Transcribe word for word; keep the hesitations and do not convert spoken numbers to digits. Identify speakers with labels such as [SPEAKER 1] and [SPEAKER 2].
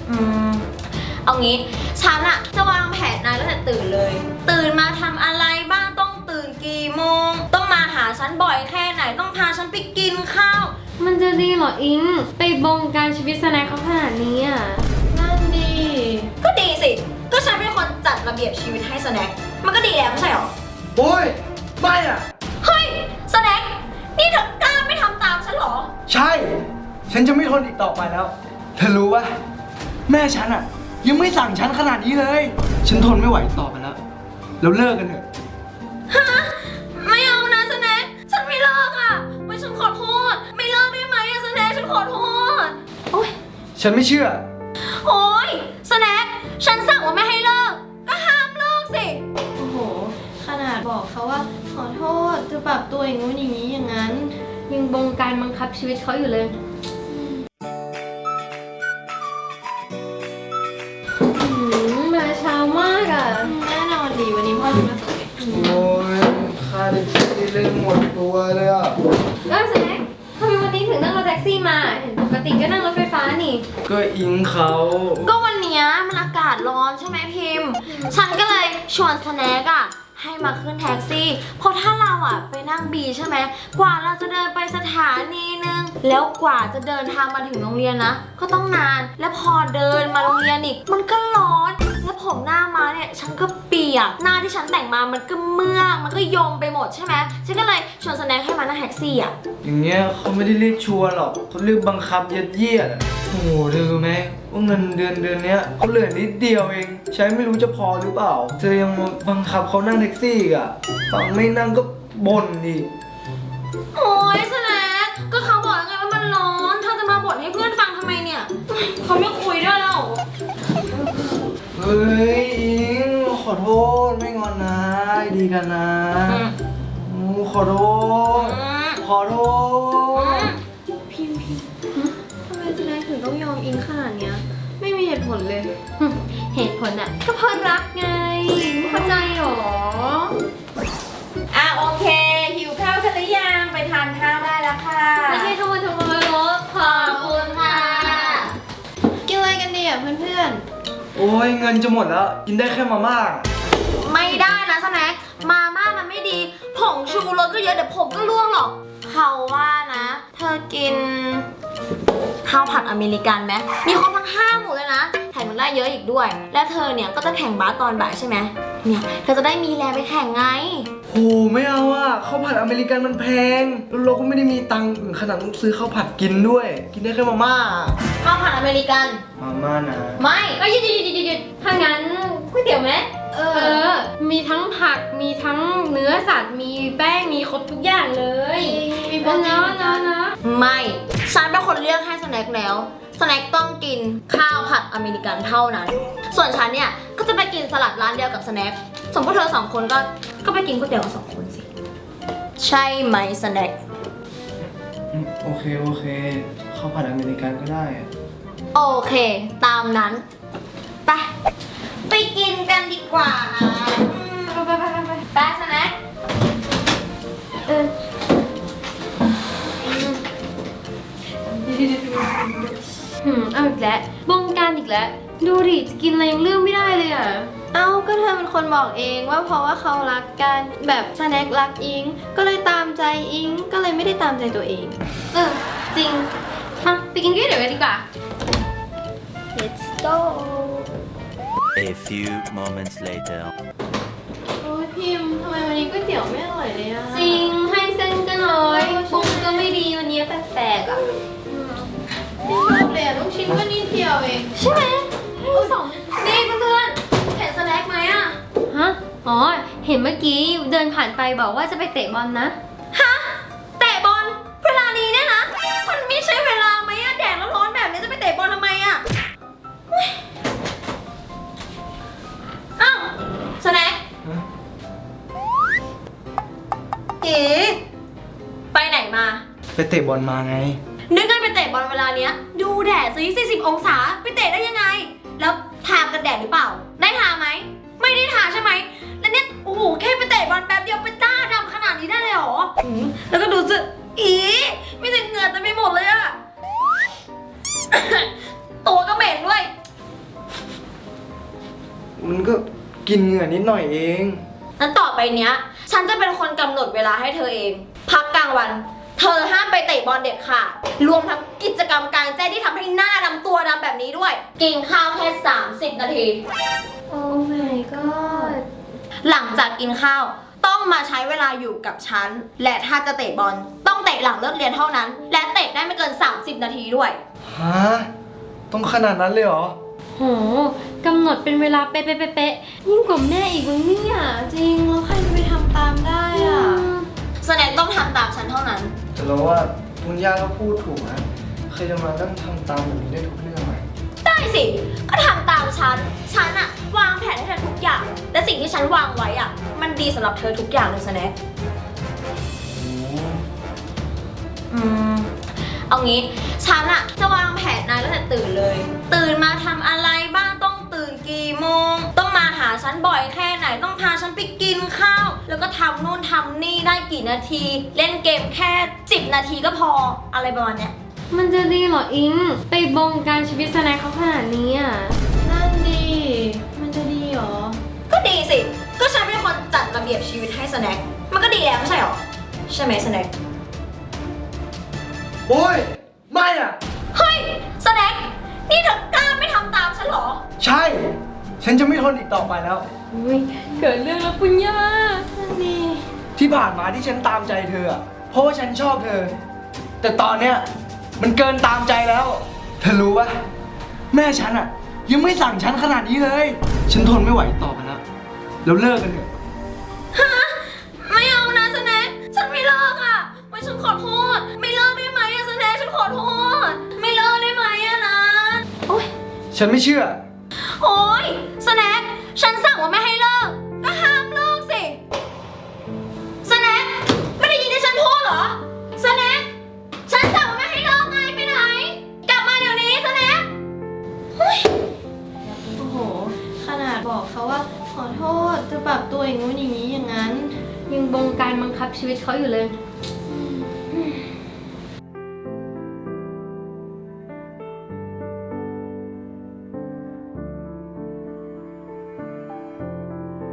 [SPEAKER 1] อืมเอางี้ฉันอะจะวางแผนนายตั้งแต่ตื่นเลยตื่นมาทำอะไรบ้างต้องตื่นกี่โมงต้องมาหาฉันบ่อยแค่ไหนต้องพาฉันไปกินข้าว
[SPEAKER 2] มันจะดีเหรออิงไปบงการชีวิตสแน็คเขาขนาดนี้อ่ะนั่นดี
[SPEAKER 1] ก็ดีสิก็ฉันเป็นคนจัดระเบียบชีวิตให้สแน็คมันก็ดีแล้วไม่ใช่หรอ
[SPEAKER 3] โอ้ยไม่อ่ะ
[SPEAKER 1] เฮ้ยสแน็คนี่เธอกล้าไม่ทำตามฉันหรอ
[SPEAKER 3] ใช่ฉันจะไม่ทนอีกต่อไปแล้วเธอรู้ปะแม่ฉันอ่ะยังไม่สั่งฉันขนาดนี้เลยฉันทนไม่ไหวต่อไปแล้วแล้วเลิกกันเถอะ
[SPEAKER 1] ฮะไม่เอานะสแน็คฉันไม่เลิกอ่ะไม่ฉันขอโทษไม่เลิกได้ไหมอะสแน็คฉันขอโทษโอ๊ย
[SPEAKER 3] ฉันไม่เชื่อ
[SPEAKER 1] โอ๊ยสแน็คฉันสั่งว่าไม่ให้เลิกก็ห้ามเลิกสิ
[SPEAKER 2] โอ้โหขนาดบอกเขาว่าขอโทษจะปรับตัวอย่างงู้นอย่างนี้อย่างนั้นยังบงการบังคับชีวิตเขาอยู่เลยมาเช้ามากอ่ะแน่นอนดีวันนี้พ่อจะมาส่ง
[SPEAKER 3] โอ้ยค่าแท็กซี่เล่นหมดตัวเลยอ่ะ
[SPEAKER 2] เออแซ็คทำไมวันนี้ถึงนั่งรถแท็กซี่มาเห็นปกติก็นั่งรถไฟฟ้านี่
[SPEAKER 3] ก็อิงเขา
[SPEAKER 1] ก็วันนี้มันอากาศร้อนใช่ไหมพิมพ์ฉันก็เลยชวนสแน็คอะให้มาขึ้นแท็กซี่เพราะถ้าเราอะไปนั่งบีใช่ไหมกว่าเราจะเดินไปสถานีนึงแล้วกว่าจะเดินทางมาถึงโรงเรียนนะก็ต้องนานแล้วพอเดินมาโรงเรียนอีกมันก็ร้อนแล้วผมหน้ามาเนี่ยฉันก็เปียกหน้าที่ฉันแต่งมามันก็เมื่อกมันก็ยมไปหมดใช่ไหมฉันก็เลยชวนสแน็คให้มานั่งแท็กซี่อะ
[SPEAKER 3] อย่างเงี้ยเขาไม่ได้เรียกชวนหรอกเขาเรียกบังคับยัดเยียดโอ้โหเธอรู้ไหมว่าเงินเดือนเดือนเนี้ยเขาเหลือนิดเดียวเองใช้ไม่รู้จะพอหรือเปล่าเธอยังบังคับเขานั่งแท็กซี่อ่ะฟังไม่นั่งก็บ่นดิ
[SPEAKER 1] โอ้ยสแน็คก็เขาบอกแล้วไงว่ามันร้อนเธอจะมาบ่นให้เพื่อนฟังทำไมเนี่ยเขาไม่คุยด้วยแล้ว
[SPEAKER 3] เฮ้ยอิงขอโทษไม่งอนนะดีกันนะขอโทษขอโทษ
[SPEAKER 2] พิมพิมทำไมสแน็คถึงต้องยอมอิงขนาดเนี้ยไม่มีเหตุผลเลยเหตุผลอะก็เพราะรักไงไม่เข้าใจหรอ
[SPEAKER 1] อ่ะโอเคหิวข้าวกันหรือยังไปทานข้าวได้แล้วค่ะ
[SPEAKER 2] ไม่ใช่ขโมยขโมยรถ
[SPEAKER 1] ขอบคุณค่ะ
[SPEAKER 2] กินอะไรกันดีอ่ะเพื่อน
[SPEAKER 3] ๆโอ้ยเงินจะหมดแล้วกินได้แค่มาม่า
[SPEAKER 1] ไม่ได้นะสแน็คมาม่ามันไม่ดีผงชูรสก็เยอะเดี๋ยวผมก็ร่วงหรอกเขาว่านะเธอกินข้าวผัดอเมริกันไหมมีครบทั้งห้าหมู่เลยนะแถมยังได้เยอะอีกด้วยและเธอเนี่ยก็จะแข่งบาสตอนบ่ายใช่ไหมเนี่ยเธอจะได้มีแรงไปแข่งไง
[SPEAKER 3] โหไม่เอาอะข้าวผัดอเมริกันมันแพงแล้วเราก็ไม่ได้มีตังค์ขนาดต้องซื้อข้าวผัดกินด้วยกินได้แค่มาม่า
[SPEAKER 1] ข้าวผัดอเมริกัน
[SPEAKER 3] มาม่านะ
[SPEAKER 1] ไม่
[SPEAKER 2] เอ้ยหยุดหยุดหยุดหยุดถ้างั้นก๋วยเตี๋ยวไหมเออมีทั้งผักมีทั้งเนื้อสัตว์มีแป้งมีครบทุกอย่างเลยมีโปรตีนนะนะ
[SPEAKER 1] ไม่ฉันเป็นคนเลือกให้สแน็คแล้วสแน็คต้องกินข้าวผัดอเมริกันเท่านั้นส่วนฉันเนี่ยก็จะไปกินสลัดร้านเดียวกับสแน็คสมมติเธอสองคนก็ก็ไปกินก๋วยเตี๋ยวกับสองคนสิใช่ไหมสแน็ค
[SPEAKER 3] โอเคโอเคข้าวผัดอเมริกันก็ได้
[SPEAKER 1] โอเคตามนั้นไปไปกินกันดีกว่านะไปไปไปไปไปสแน็คเออ
[SPEAKER 2] หืมเอาอีกแล้วบงการอีกแล้วดูดิจะกินอะไรยังเลือกไม่ได้เลยอ่ะเอ้าก็เธอเป็นคนบอกเองว่าเพราะว่าเขารักกันแบบสแน็ครักอิงก็เลยตามใจอิงก็เลยไม่ได้ตามใจตัวเองเออจริงมาไปกินก๋วยเตี๋ยวกันดีกว่า
[SPEAKER 1] Let's go
[SPEAKER 4] A few moments later
[SPEAKER 2] โอ้ยพิมทำไมวันนี้ก๋วยเตี๋ยวไม่อร่อยเลยอะจริงให้เส้นก็น้อยปรุงก็ไม่ดีวันนี้แปลกๆอะไม่ชอบเลยอะลูกชิ้นก็นิดเดียวเอง
[SPEAKER 1] ใช่ไหมลูกสองนี่เพื่อนๆเห็นสแน็คไหมอะ
[SPEAKER 2] ฮะอ๋อเห็นเมื่อกี้เดินผ่านไปบอกว่าจะไปเตะบอลนะ
[SPEAKER 1] ฮะเตะบอลเวลานี้เนี่ยนะมันไม่ใช่เวลาไหมอะแดดร้อนๆแบบนี้จะไปเตะบอลทำไมอะอ้าวสแน็คเอ๋ไปไหนมา
[SPEAKER 3] ไปเตะบอลมาไง
[SPEAKER 1] นึกไงไปเตะบอลเวลาเนี้ยดูแดดสิสี่สิบองศาไปเตะได้ยังไงแล้วทากันแดดหรือเปล่าได้ทาไหมไม่ได้ทาใช่ไหมแล้วเนี่ยโอ้โหแค่ไปเตะบอลแป๊บเดียวไปต้าดำขนาดนี้ได้เลยเหรอแล้วก็ดูสิอีมีแต่เหงื่อเต็มไปหมดเลยอะ ตัวก็เหม็นด้วย
[SPEAKER 3] มันก็กินเหงื่อนิดหน่อยเอง
[SPEAKER 1] นั้นต่อไปเนี้ย ฉันจะเป็นคนกำหนดเวลาให้เธอเอง พักกลางวัน เธอห้ามไปเตะบอลเด็ดขาดรวมทั้งกิจกรรมกลางแจ้งที่ทำให้หน้าดำตัวดำแบบนี้ด้วย กินข้าวแค่สามสิบนาที
[SPEAKER 2] โอ้ my god
[SPEAKER 1] หลังจากกินข้าวต้องมาใช้เวลาอยู่กับฉัน และถ้าจะเตะบอลต้องเตะหลังเลิกเรียนเท่านั้น และเตะได้ไม่เกิน สามสิบ นาทีด้วย
[SPEAKER 3] ฮะ ต้องขนาดนั้นเลยเหรอ
[SPEAKER 2] โหกำหนดเป็นเวลาเป๊ะๆๆยิ่งกว่าแม่อีกมึงเนี่ยจริงแล้วใครจะไปทำตามได้อ่ะ
[SPEAKER 1] แสดงต้องทำตามฉันเท่านั้น
[SPEAKER 3] แต่เราว่าคุณย่าก็พูดถูกนะใครจะมานั่งทำตามแบบนี้ได้ทุกเรื่องไหม
[SPEAKER 1] ได้สิ ก็ทำตามฉัน ฉันอะวางแผนให้เธอทุกอย่าง และสิ่งที่ฉันวางไว้อะมันดีสำหรับเธอทุกอย่างเลยสแน็ค อืม เอางี้ ฉันอะจะวางแผนนายตั้งแต่ตื่นเลย ตื่นมาทำอะไรบ้างต้องตื่นกี่โมง ต้องมาหาฉันบ่อยแค่ไหน ต้องพาฉันไปกินข้าว แล้วก็ทำนู่นทำนี่ได้กี่นาที เล่นเกมแค่สิบนาทีก็พอ อะไรประมาณเนี้ย
[SPEAKER 2] มันจะดีเหรออิง ไปบงการชีวิตสแน็คเขาขนาดนี้อ่ะ นั่นดี มันจะดีเหรอ
[SPEAKER 1] ก็ดีสิ ก็ฉันเป็นคนจัดระเบียบชีวิตให้สแน็ค มันก็ดีแล้วไม่ใช่หรอ ใช่ไหมสแน็ค
[SPEAKER 3] โอ้ย ไม่อ่ะ
[SPEAKER 1] เฮ้ยสแน็ค นี่เธอกล้าไม่ทำตามฉันเหรอ
[SPEAKER 3] ใช่ ฉันจะไม่ทนอีกต่อไปแล้ว
[SPEAKER 2] อุ้ยเกิดเรื่องแล้วปุญญานั่นดี
[SPEAKER 3] ที่ผ่านมาที่ฉันตามใจเธออะเพราะว่าฉันชอบเธอ แต่ตอนเนี้ยมันเกินตามใจแล้ว เธอรู้ปะแม่ฉันอะยังไม่สั่งฉันขนาดนี้เลย ฉันทนไม่ไหวต่อไปแล้วแล้วเลิกกันเถอะ
[SPEAKER 1] ฮะ ไม่เอานะสแน็ค ฉันไม่เลิกอ่ะไม่ฉันขอโทษ ไม่เลิกได้ไหมอะสแน็ค ฉันขอโทษ ไม่เลิกได้ไหมอะนะ โอ๊ย
[SPEAKER 3] ฉันไม่เชื่อ
[SPEAKER 1] โอ๊ยสแน็ค ฉันสั่งว่าไม่ให้เลิก ก็ห้ามเลิกสิสแน็ค ไม่ได้ยินที่ฉันพูดเหรอสแน็ค ฉันสั่งว่าไม่ให้เลิกไงไปไหน กลับมาเดี๋ยวนี้สแน็ค
[SPEAKER 2] โอ้โห ขนาดบอกเขาว่าขอโทษจะปรับตัวอย่างงู้นอย่างนี้อย่างนั้น ยังบงการบังคับชีวิตเขาอยู่เลย